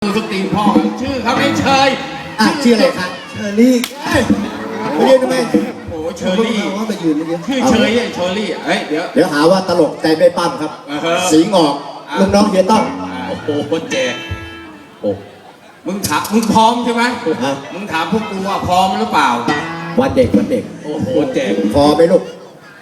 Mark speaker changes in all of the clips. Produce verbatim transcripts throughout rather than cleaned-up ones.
Speaker 1: สตีนพ่อชื่อเขาไม่เชย
Speaker 2: อ่ะชื่ออะไรครับเชอรี่ไปยืนทำไม
Speaker 1: โอ้เชอรี่
Speaker 2: ว่าไปยืนเมื่อกี้
Speaker 1: ชื่อเชยไอ้เชอรี่เฮ้ยเดี๋ยว
Speaker 2: เดี๋ยวหาว่าตลกใจไม่ปั้มครับ
Speaker 1: เออ
Speaker 2: สีงอกลูกน้องเฮียต้อง
Speaker 1: โอ้โหคนแจกโอ้มึงถามมึงพร้อมใช่ไหม
Speaker 2: ฮะ
Speaker 1: มึงถามพวกกูว่าพร้อมหรือเปล่า
Speaker 2: วันเด็กวันเด็ก
Speaker 1: โอ้โหแจก
Speaker 2: พอไหมลูก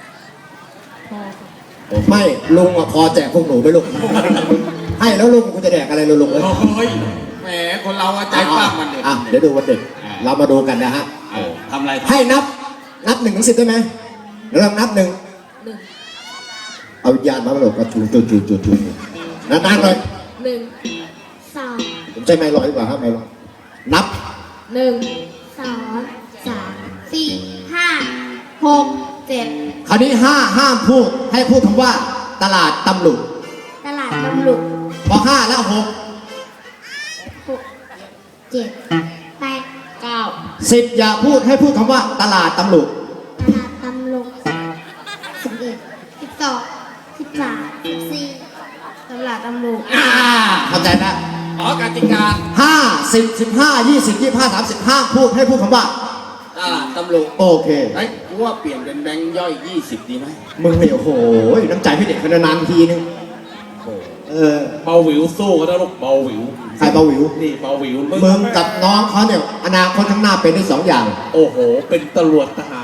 Speaker 2: ไม่ลุงอ่ะพอแจกพวกหนูไหมลูกให้แล้วลุงคุณจะแดกอะไรลุงเลย
Speaker 1: โอ้ยแหมคนเราอะใจปั้มมันเด็ก
Speaker 2: อ่ะเดี๋ยวดูวันเด็กเรามาดูกันนะฮะ
Speaker 1: เออทำอะไรทำ
Speaker 2: ให้นับนับหนึ่งถึงสิบได้ไหมเดี๋ยวเรานับหนึ่งเอาวิญญาณมาหลบกระจูจูจูจูจูนานๆเลย
Speaker 3: หนึ่งสอง
Speaker 2: ผมใช้ไม้ลอยดีกว่าครับไม้ลอยนับ
Speaker 3: หนึ่งสองสามสี่ห้าหกเจ็ด
Speaker 2: คราวนี้ห้าห้ามพูดให้พูดคำว่า ตลาดตำลุก
Speaker 3: ตลาดตำลุก
Speaker 2: พอห้าแล้วหก
Speaker 3: หกเจ็ดแปดเก้า
Speaker 2: สิบอย่าพูดให้พูดคำว่า ตลาดตำลุก
Speaker 3: ตลาดตำลุกสิบเอ็ดสิบสองสิบสามสิบสี่ตลาดตำลุก
Speaker 1: อ่า
Speaker 2: เข้าใจนะ
Speaker 1: อ๋อกติกา
Speaker 2: ห้าสิบสิบห้ายี่สิบยี่ห้าสามสิบห้าพูดให้พูดคำว่า
Speaker 1: ตลาดตำรวจ
Speaker 2: โอเค
Speaker 1: เฮ้ยกูว่าเปลี่ยนเป็นแบงค์ย่อยยี่สิบดีไหม
Speaker 2: มึงเนี่ยโอ้โหน้ำใจพี่เด็กคนนานๆทีนึงเออ
Speaker 4: เบาหวิวสู้เขาได้ลูกเบาหวิว
Speaker 2: ใครเบาหวิว
Speaker 4: นี่เบาหวิว
Speaker 2: มึงกับน้องเขาเนี่ยอนาคตข้างหน้าเป็นได้สองอย่าง
Speaker 4: โอ้โห เป็นตำรวจทหาร